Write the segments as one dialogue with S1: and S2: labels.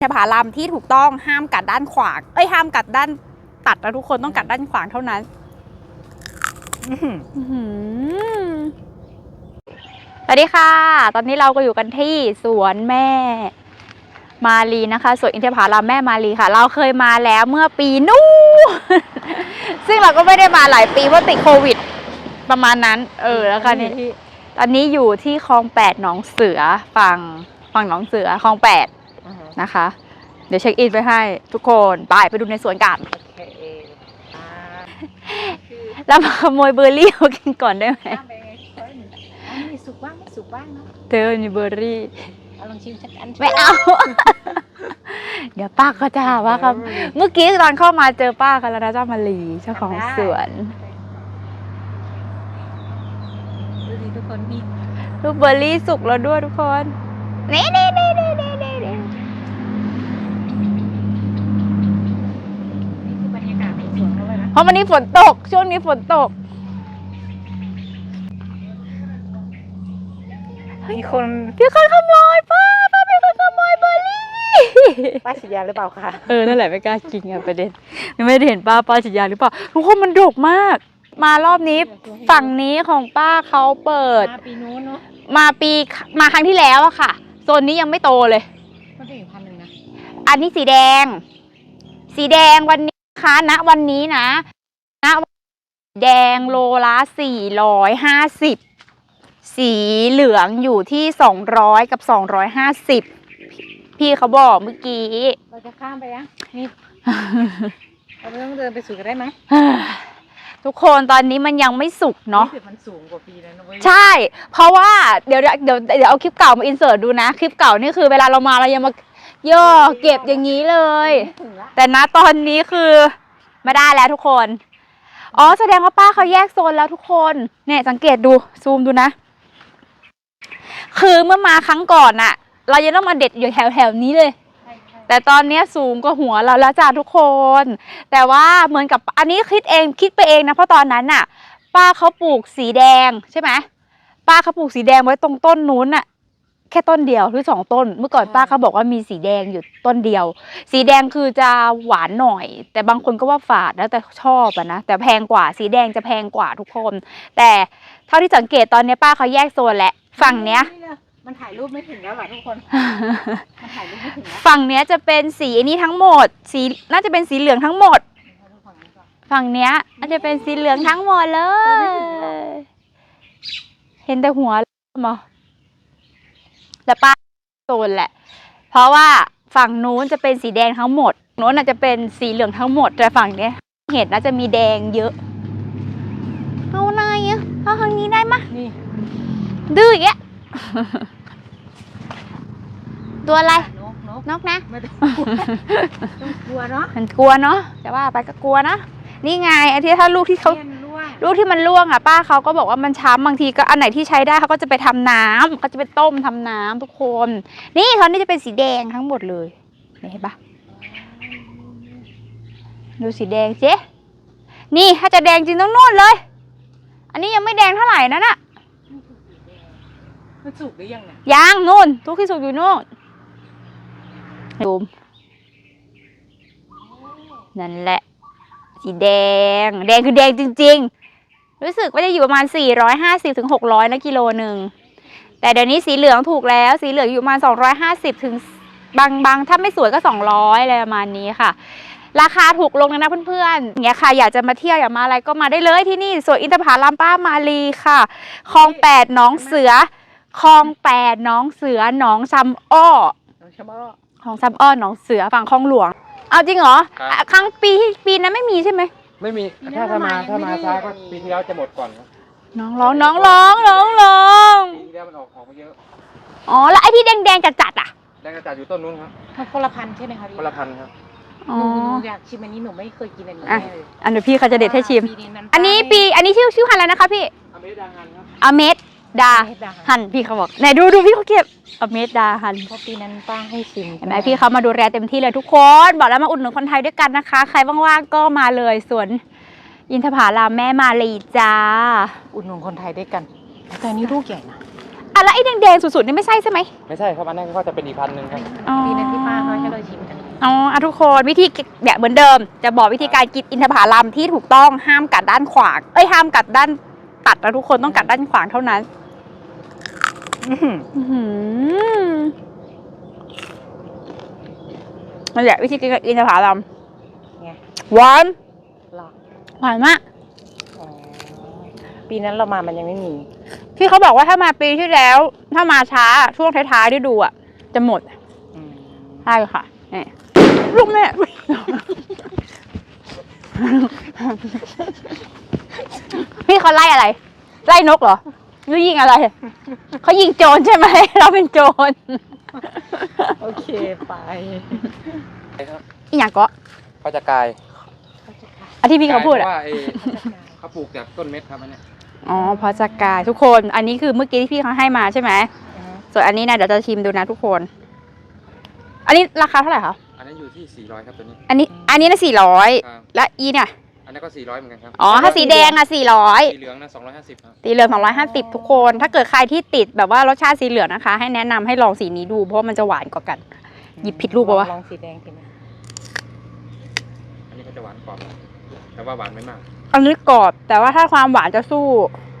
S1: อินทผลัมที่ถูกต้องห้ามกัดด้านขวางห้ามกัดด้านตัดนะทุกคนต้องกัดด้านขวางเท่านั้นสวัสดีค่ะตอนนี้เราก็อยู่กันที่สวนแม่มาลีนะคะสวนอินทผลัมแม่มาลีค่ะเราเคยมาแล้วเมื่อปีนู้นซึ่งเราก็ไม่ได้มาหลายปีเพราะติดโควิดประมาณนั้นแล้วกันนี่ตอนนี้อยู่ที่คลอง8หนองเสือฝั่งหนองเสือคลอง8นะคะเดี๋ยวเช็คอินไปให้ทุกคนไปดูในสวนกันแล้วมาขโมยเบอร์รี่มากินก่อนได้ไหม
S2: มีสุกบ้างไม่สุกบ้างเนาะ
S1: เธอมีเบอร์รี่
S2: ลองชิมสักอัน
S1: ไม่เอา เดี๋ยวป้าก็จะว่าครับเมื่อกี้ตอนเข้ามาเจอป้ากันแล้วนะเจ้ามาลีเจ้าของสวน
S2: ดูดิทุกคนมี
S1: ลูกเบอร์รี่สุกแล้วด้วยทุกคนนี่
S2: คือบรรยากาศในสวนเขาเลยนะ
S1: เพราะวันนี้ฝนตกช่วงนี้ฝนตกมีคนขโมยป้ามีคนขโมยเบอร์รี่
S2: ป้าฉีดยาหรือเปล่าคะ
S1: นั่นแหละไม่กล้ากินไงประเด็นไม่ได้เห็นป้าฉีดยาหรือเปล่าทุกคนมันดกมากมารอบนี้ฝั่งนี้ของป้าเขาเปิด
S2: มาปีนู้นเนาะ
S1: มาครั้งที่แล้วอะค่ะโซนนี้ยังไม่โตเลย
S2: มันเป็น1,000นะ
S1: อันนี้สีแดงวันนี้นะคะณวันนี้นะแดงโลละ450สีเหลืองอยู่ที่200กับ250พี่เขาบอกเมื่อกี้
S2: เราจะข้ามไปยังนี่เราไม่ต้องเดินไปสู่กันได้ไหม
S1: ทุกคนตอนนี้มันยังไม่สุกเนาะ
S2: มันสูงกว่าปีแล้วนะเว้ย
S1: ใช่เพราะว่าเดี๋ยวเอาคลิปเก่ามาอินเสิร์ตดูนะคลิปเก่านี่คือเวลาเรามาเรายังมาย่อเก็บอย่างนี้เลยแต่ณตอนนี้คือไม่ได้แล้วทุกคนแสดงว่าป้าเขาแยกโซนแล้วทุกคนเนี่ยสังเกตดูซูมดูนะคือเมื่อมาครั้งก่อนอะเรายังต้องมาเด็ดอยู่แถวนี้เลยแต่ตอนนี้สูงกว่าหัวเราแล้วจ้าทุกคนแต่ว่าเหมือนกับอันนี้คิดไปเองนะเพราะตอนนั้นน่ะป้าเขาปลูกสีแดงใช่ไหมป้าเขาปลูกสีแดงไว้ตรงต้นนู้นน่ะแค่ต้นเดียวหรือ2ต้นเมื่อก่อนป้าเขาบอกว่ามีสีแดงอยู่ต้นเดียวสีแดงคือจะหวานหน่อยแต่บางคนก็ว่าฝาดแล้วแต่ชอบอะนะแต่แพงกว่าสีแดงจะแพงกว่าทุกคนแต่เท่าที่สังเกตตอนนี้ป้าเขาแยกโซนแล้วฝั่งเนี้ย
S2: มันถ่ายรูปไม่ถึงแล้วหรอทุกคนมันถ่ายรูปไม่ถึงแล้ว
S1: ฝั่งเนี้ยจะเป็นสีนี้ทั้งหมดสีน่าจะเป็นสีเหลืองทั้งหมดฝั่งเนี้ยน่าจะเป็นสีเหลืองทั้งหมดเลยเห็นแต่หัวมั้งแต่ป้าโซนแหละเพราะว่าฝั่งนู้นจะเป็นสีแดงทั้งหมดนู้นน่าจะเป็นสีเหลืองทั้งหมดแต่ฝั่งเนี้ยเห็นน่าจะมีแดงเยอะเอาไหนอ่ะเอาทางนี้ได้มะ
S2: นี่
S1: ดื้ออีกแล้วตัวอะไรนกนะ
S2: ไม่ต้องกลัวเนาะ
S1: มันกลัวเนาะแต่ว่าไปก็กลัวนะนี่ไงไอ้ที่ถ้าลูกที่มันร่วงอ่ะป้าเขาก็บอกว่ามันช้ำบางทีก็อันไหนที่ใช้ได้เขาก็จะไปทำน้ำเขาจะไปต้มทำน้ำทุกคนนี่ตอนนี้จะเป็นสีแดงทั้งหมดเลยเห็นปะดูสีแดงเจ๊นี่ถ้าจะแดงจริงต้องนู่นเลยอันนี้ยังไม่แดงเท่าไหร่นั่นอะ
S2: มันสุกหรือยังเนี่ย
S1: ยังนู่นทุกที่สุกอยู่นู่นดูนั่นแหละสีแดงคือแดงจริงๆรู้สึกว่าจะอยู่ประมาณ450ถึง600นะกิโลหนึ่งแต่เดี๋ยวนี้สีเหลืองถูกแล้วสีเหลืองอยู่ประมาณ250ถึงบางถ้าไม่สวยก็200อะไรประมาณนี้ค่ะราคาถูกลงนะเพื่อนๆอย่างเงี้ยค่ะอยากจะมาเที่ยวอยากมาอะไรก็มาได้เลยที่นี่สวนอินทผลัมป้ามาลีค่ะคลอง8หนองเสือคลอง8หนองเสือหนองซ้ำอ้อของซ้ำอ้อหนองเสือฝั่งคลองหลวงเอาจริงเหรอครั้งปีนั้นไม่มีใช่ไหม
S3: ไม่มีถ้ามาช้าก็ปีที่แล้วจะหมดก่อนครับ
S1: น้องร้อง
S3: ปีที่แล้วมันออกมาเยอะ
S1: แล้วไอ้ที่แดงจัดอ่ะ
S3: แดงจัดอยู่ต้นนู้นครับ
S2: คนละพันใช่ไหมคะพี่
S3: คนละพันครับ
S2: หนูอยากชิมอันนี้หนูไม่เคยกินอันนี้เลย
S1: อันเดี๋ยวพี่เขาจะเด็ดให้ชิมอันนี้ชื่อพันธุ์อะไรนะคะพี่
S3: อเมดาฮันครับ
S1: อเมดาฮันพี่เขาบอกไหนดูพี่เขาเก็บอเมดาฮัน
S2: เพราะปีนั้นป้าให้ชิม
S1: เห็นไหมพี่เขามาดูแลเต็มที่เลยทุกคนบอกแล้วมาอุดหนุนคนไทยด้วยกันนะคะใครว่างๆก็มาเลยสวนอินทผลัมแม่มาลีจ้า
S2: อุดหนุนคนไทยด้วยกันแต่อันนี้ลูกใหญ่นะ
S1: คะแล้วไอ้แดงๆสุดๆนี่ไม่ใช่ใช่ไหม
S3: ไม่ใช่ครับอันนั้นก็จะเป็นอีกพันหนึ่งครับ
S1: อ๋อ
S2: ดีนะที่ป้าเขาให้เราชิมกัน
S1: อ๋ออ่ะทุกคนวิธีแบบเหมือนเดิม จะบอกวิธีการกินอินทผลัมที่ถูกต้องห้ามกัดด้านขวางห้ามกัดด้านตัดนะทุกคนต้องกัดด้านขวางเท่านั้นอื้อหือนั่นแหละวิธีกินอินทผลัม
S2: ไง
S1: หวาน
S2: หรอ
S1: หวานมาก
S2: อ๋อปีนั้นเรามามันยังไม่มี
S1: พี่เขาบอกว่าถ้ามาปีที่แล้ว ถ้ามาช้าช่วงท้ายๆที่ดูอ่ะ จะหมด
S2: อืม
S1: ใช่ค่ะนี่ลูกแม่ พี่เขาไล่อะไร ไล่นกเหรอหรือยิงอะไรเขายิงโจรใช่ไหม เราเป็นโจร
S2: โอเคไป
S1: อีหยังก็
S3: เขาจะกลาย
S1: อันที่พี่เขาพูด
S3: เพ
S1: อ่ะ
S3: ราะว่าเขาปลูกจากต้นเม็ดครับอันเนี้ย
S1: อ๋อพอจะกายทุกคน อันนี้คือเมื่อกี้ที่พี่เขาให้มาใช่ไหมส่วนอันนี้นะเดี๋ยวจะชิมดูนะทุกคน อันนี้ราคาเท่าไหร่คะ
S3: อันนี้อยู่ที่400ครับตัวนี้
S1: อันนี้นะ400
S3: ครับ
S1: และอีเนี่ย
S3: อันนี้ก็400เหมือนกันครับ
S1: อ๋อถ้าสีแดงอะ400
S3: สีเหลืองนะ250ครับ
S1: สีเหลือง250ทุกคน ถ้าเกิดใครที่ติดแบบว่ารสชาติสีเหลืองนะคะ ให้แนะนำให้ลองสีนี้ดู เพราะว่ามันจะหวานกว่ากัน หยิบผิดลูกปะวะ
S2: ลองสีแดงกินไหม
S3: อันนี้ก็จะหวานกว่าแต่ว่าหวานไม่มาก
S1: อันนี้กรอบ แต่ว่าถ้าความหวานจะสู้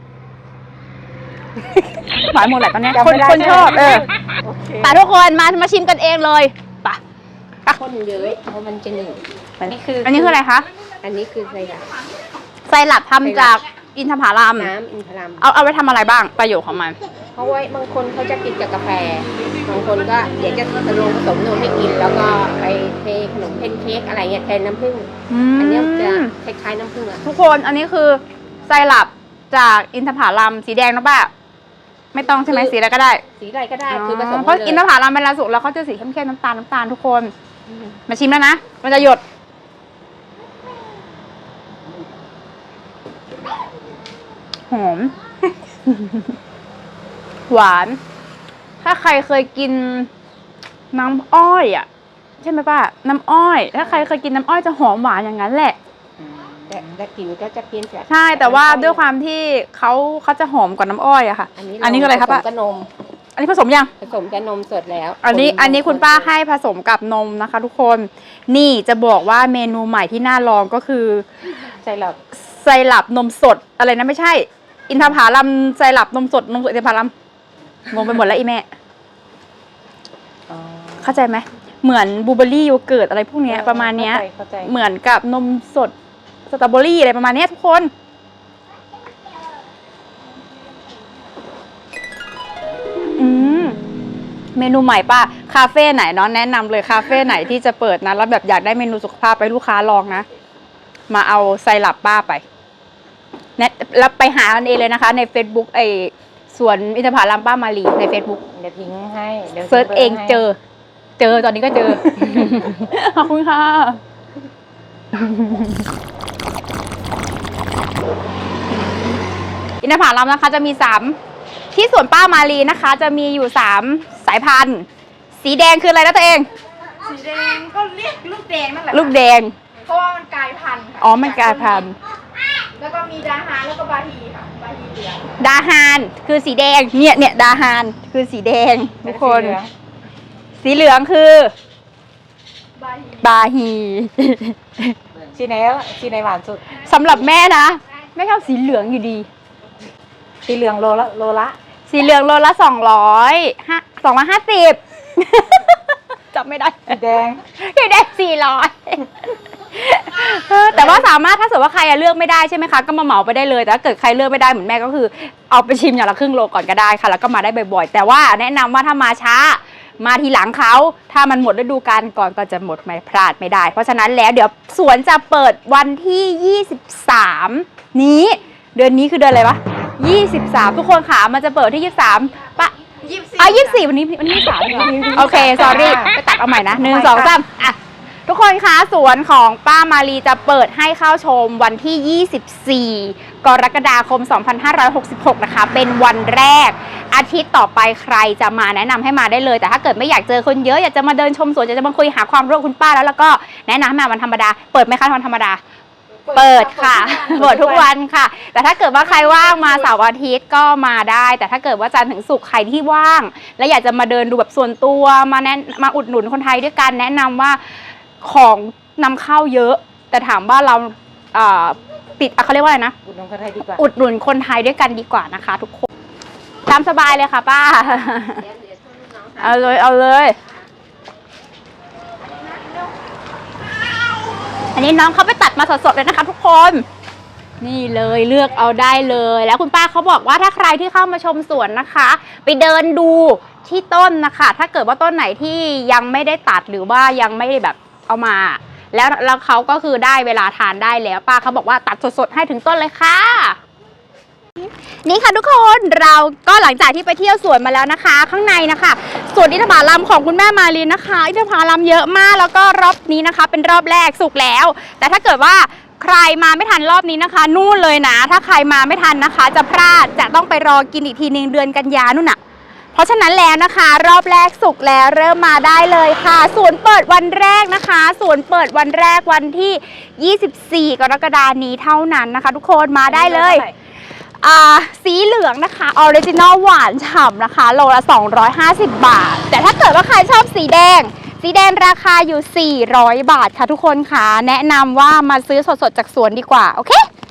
S1: หวานหมดแหละตอนเนี้ยคนชอบ
S2: โอเค
S1: แต่ทุกคนมาชิมกันเองเลยไป
S4: คนเยอะเพราะมันจะหนึ่ง
S1: อันนี้คืออะไรคะ
S4: อันนี้คือไซรัป
S1: ไซรัปทำจากอินทผลัม
S4: น้ำอินทรัม
S1: เอาไว้ทำอะไรบ้างประโยชน์ของมัน
S4: เพราะว่าบางคนเขาจะกินกับกาแฟ บางคนก็เดี๋ยวจะผสมนมให้กิน แล้วก็ไปเทขนมเพนเค้กอะไรเงี้ยแทนน้ำผึ้ง อันนี้จะคล้ายๆน้ำผึ้งอะ
S1: ทุกคนอันนี้คือไซรัปจากอินทผลัมสีแดงนะป้าไม่ต้องใช่ไหมสีอะไรก็ได้
S4: สีอะไรก็ได้ คือผสม
S1: เพราะอินทผลัมเป็นลาสุกแล้วเขาจะสีเข้มๆน้ำตาลทุกคน มาชิมแล้วนะ มันจะหยด หอม หวาน ถ้าใครเคยกินน้ำอ้อยอ่ะ ใช่ไหมป้า น้ำอ้อย ถ้าใครเคยกินน้ำอ้อยจะหอมหวานอย่างนั้นแหละ
S4: แต่กลิ่นก็จะเปลี่ยนจาก
S1: ใช่ แต่ว่าด้วยความที่เขาจะหอมกว่าน้ำอ้อยอะค่ะ อันนี้คืออะไรครับ
S4: ผ
S1: ป้า
S4: สมกับนม
S1: อันนี้ผสมยัง
S4: ผสมกับนมสดแล้ว
S1: อันนี้คุณป้าให้ผสมกับนมนะคะ ทุกคน นี่จะบอกว่าเมนูใหม่ที่น่าลองก็คือ
S4: ไซรัป
S1: ไซรัปนมสดอะไรนะไม่ใช่ อินทผลัมไซรัปนมสดอินทผลัมงงไปหมดแล้วอีแม่
S4: อ๋อ
S1: เข้าใจไหมเหมือนบลูเบอร์รี่โยเกิร์ตอะไรพวกเนี้ยประมาณเนี้ย
S2: เข้าใจ
S1: เหมือนกับนมสดสตรอเบอรี่อะไรประมาณเนี้ยทุกคน เมนูใหม่ป้าคาเฟ่ไหนเนาะแนะนำเลยคาเฟ่ไหนที่จะเปิดนะแล้วแบบอยากได้เมนูสุขภาพไปลูกค้าลองนะมาเอาไซรัปป้าไปแล้วไปหากันเองเลยนะคะ ใน Facebook สวนอินทผลัมป้ามาลีใน Facebook
S2: เดี๋ยวทิ้งให้ดี๋ยว
S1: เซิร์ชเอง
S2: ให้
S1: เจอตอนนี้ก็เจอ ขอบคุณค่ะ อินทผลัมนะคะจะมี3ที่สวนป้ามาลีนะคะ จะมีอยู่3สายพันธุ์สีแดงคืออะไรนะตัวเอง
S2: สีแดงก็เรียกลูกแดงนั่นแหละ
S1: ลูกแดง
S2: เพราะว่ามันกลายพันธุ์ค่ะ
S1: อ๋อมันกลายพันธุ์
S2: แล้วก็มีดาฮาแล้วก็บาฮีค่ะบาฮีเหลือง
S1: ดาฮานคือสีแดงเนี่ยดาฮานคือสีแดงทุกคน สีเหลืองคือบ
S2: าฮี
S1: บาฮี
S2: ชีไหนหวานสุด
S1: สำหรับแม่นะแม่ชอบสีเหลืองอยู่ดี
S2: สีเหลืองโลละ
S1: สีเหลืองโลละ250 จำไม่ได้
S2: สีแดง
S1: สีแดง400แต่ว่าสามารถถ้าสมมติว่าใครเลือกไม่ได้ใช่ไหมคะก็มาเหมาไปได้เลยแต่ถ้าเกิดใครเลือกไม่ได้เหมือนแม่ก็คือเอาไปชิมอย่างละครึ่งโลก่อนก็ได้ค่ะแล้วก็มาได้บ่อยๆแต่ว่าแนะนำว่าถ้ามาช้ามาทีหลังเขาถ้ามันหมดฤดูกาลก่อนก็จะหมดไม่พลาดไม่ได้ เพราะฉะนั้นแล้วเดี๋ยวสวนจะเปิดวันที่23นี้เดือนนี้คือเดือนอะไรวะ23ทุกคนค่ะมันจะเปิดที่23ปะ24วันนี้23เหรอโอเค sorry ไปตัดเอาใหม่นะ1 2 3อ่ะทุกคนคะสวนของป้ามาลีจะเปิดให้เข้าชมวันที่ 24 กรกฎาคม 2566 นะคะ เป็นวันแรกอาทิตย์ต่อไปใครจะมาแนะนำให้มาได้เลย แต่ถ้าเกิดไม่อยากเจอคนเยอะอยากจะมาเดินชมสวนอยากจะมาคุยหาความรู้คุณป้าแล้วก็แนะนำให้มาวันธรรมดาเปิดไหมคะวันธรรมดาเปิดค่ะ เปิดทุกวันค่ะ แต่ถ้าเกิดว่าใครว่างมาเสาร์อาทิตย์ก็มาได้ แต่ถ้าเกิดว่าจันทร์ถึงศุกร์ใครที่ว่าง และอยากจะมาเดินดูแบบส่วนตัวมาอุดหนุนคนไทยด้วยกันแนะนำว่าของนำเข้าเยอะ แต่ถามว่าเราติดเขาเรียกว่าอะไรนะ
S2: อุดหนุนคนไทยดีกว่า
S1: อุดหนุนคนไทยด้วยกันดีกว่านะคะ ทุกคนตามสบายเลยค่ะป้า เอาเลยเอาเลย อันนี้น้องเขาไปตัดมาสดๆเลยนะคะทุกคน นี่เลยเลือกเอาได้เลย แล้วคุณป้าเขาบอกว่าถ้าใครที่เข้ามาชมสวนนะคะ ไปเดินดูที่ต้นนะคะ ถ้าเกิดว่าต้นไหนที่ยังไม่ได้ตัดหรือว่ายังไม่ได้แบบเอามา แล้วเขาก็คือได้เวลาทานได้แล้วป้าเขาบอกว่าตัดสดๆให้ถึงต้นเลยค่ะ นี่ค่ะทุกคนเราก็หลังจากที่ไปเที่ยวสวนมาแล้วนะคะ ข้างในนะคะสวนอินทผลัมของคุณแม่มาลีนะคะอินทผลัมเยอะมากแล้วก็รอบนี้นะคะ เป็นรอบแรกสุกแล้ว แต่ถ้าเกิดว่าใครมาไม่ทันรอบนี้นะคะนู่นเลยนะถ้าใครมาไม่ทันนะคะ จะพลาดจะต้องไปรอกินอีกทีนึงเดือนกันยานู่นน่ะเพราะฉะนั้นแล้วนะคะ รอบแรกสุกแล้วเริ่มมาได้เลยค่ะสวนเปิดวันแรกนะคะสวนเปิดวันแรกวันที่ 24 กรกฎาคมนี้เท่านั้นนะคะ ทุกคนมาได้เลยสีเหลืองนะคะออริจินอลหวานฉ่ำนะคะโลละ250 บาทแต่ถ้าเกิดว่าใครชอบสีแดงราคาอยู่400 บาทค่ะทุกคนค่ะแนะนำว่ามาซื้อสดๆจากสวนดีกว่าโอเค